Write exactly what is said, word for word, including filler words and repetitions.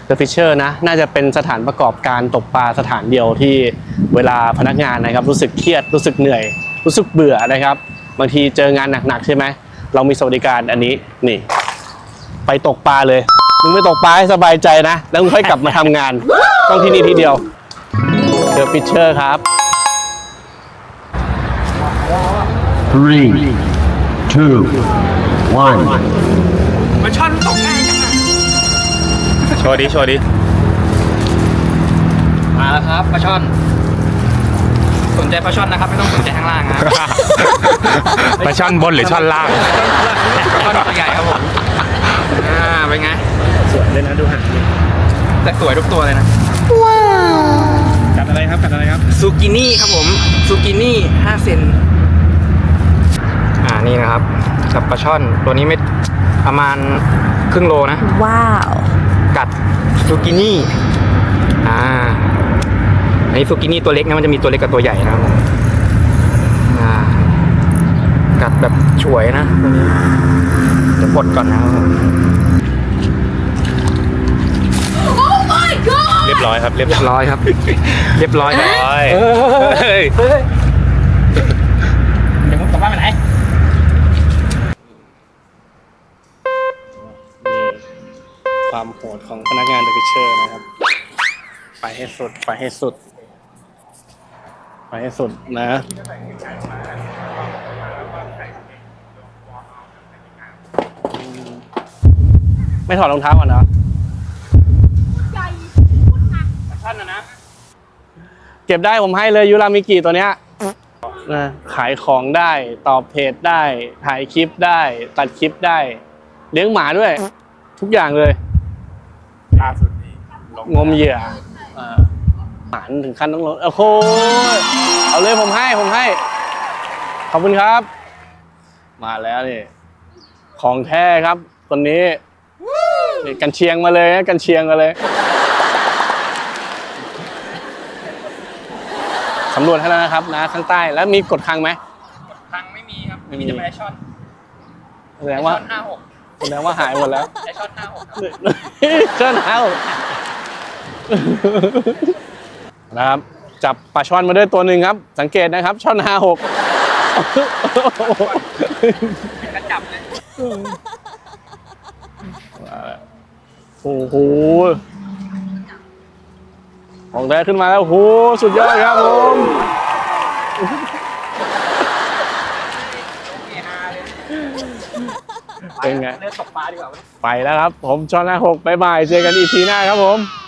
The Fisher นะน่าจะเป็นสถานประกอบการตกปลาสถานเดียวที่เวลาพนักงานนะครับรู้สึกเครียดรู้สึกเหนื่อยรู้สึกเบื่อนะครับบางทีเจองานหนักๆใช่ไหมเรามีสวัสดิการอันนี้นี่ไปตกปลาเลยมึงไปตกปลาให้สบายใจนะแล้วมึงค่อยกลับมาทำงานต้องที่นี่ทีเดียว The Fisher ครับ three two one มาช่อนตกง่ายจังอะโชว์ดิโชว์ดิมาแล้วครับปลาช่อน สนใจปลาช่อนนะครับไม่ต้องสนใจข้างล่างนะปลาช่อนบนหรือช่อนล่างปลาช่อนตัวใหญ่ครับผมอ่าเป็นไงสวยเลยนะดูหางแต่สวยทุกตัวเลยนะกัดอะไรครับกัดอะไรครับซูกินี่ครับผมซูกินี่ห้าเซนอ่านี่นะครับกับปลาช่อนตัวนี้ไม่ประมาณครึ่งโลนะว้าวกัดซูกินี่อ่าอันนี้ซูกินี่ตัวเล็กนะมันจะมีตัวเล็กกับตัวใหญ่นะครับผมอ่ากัดแบบฉวยนะตัวนี้จะปลดก่อนนะครับผมเรียบร้อยครับเรียบเรียบร้อยครับ เรียบร้อยครับร้อยเฮ้ยเฮ้ยเดี๋ยวผมกลับบ้านไปไหนนี่ความโหดของพนักงาน The Fisher นะครับไปให้สุดไปให้สุดไปให้สุดนะไม่ถอดรองเท้าก่อนเหรอท่านนะนะเก็บได้ผมให้เลยยูรามิกิตัวเนี้ยนะขายของได้ตอบเพจได้ถ่ายคลิปได้ตัดคลิปได้เลี้ยงหมาด้วย ทุกอย่างเลยล่าสุดนี้ลงงมเหยื่ออ่าหารถึงขั้นต้องลดโอ้โหเอาเลยผมให้ผมให้ ขอบคุณครับ มาแล้วนี่ของแท้ครับคนนี้นี่กันเชียงมาเลยนะกันเชียงมาเลยสำรวจให้แล้วนะครับนะข้างใต้แล้วมีกดคังไหมทางไม่มีครับไม่มีมีแต่ปลาช่อนแสดงว่าช่อนห้าหกแสดงว่าหายหมดแล้วไอช่อนห้าหกครับเชิญเอานะครับจับปลาช่อนมาด้วยตัวหนึ่งครับ สังเกตนะครับช่อนห้าหกกระจับเลยโอ้โหของแท้ขึ้นมาแล้วโอ้โหสุดยอดครับผมเป็นไงเลือกตกปลาดีกว่าไปแล้วครับผมช่อนห้าหกบ๊ายบายเจอกันอีพีหน้าครับผม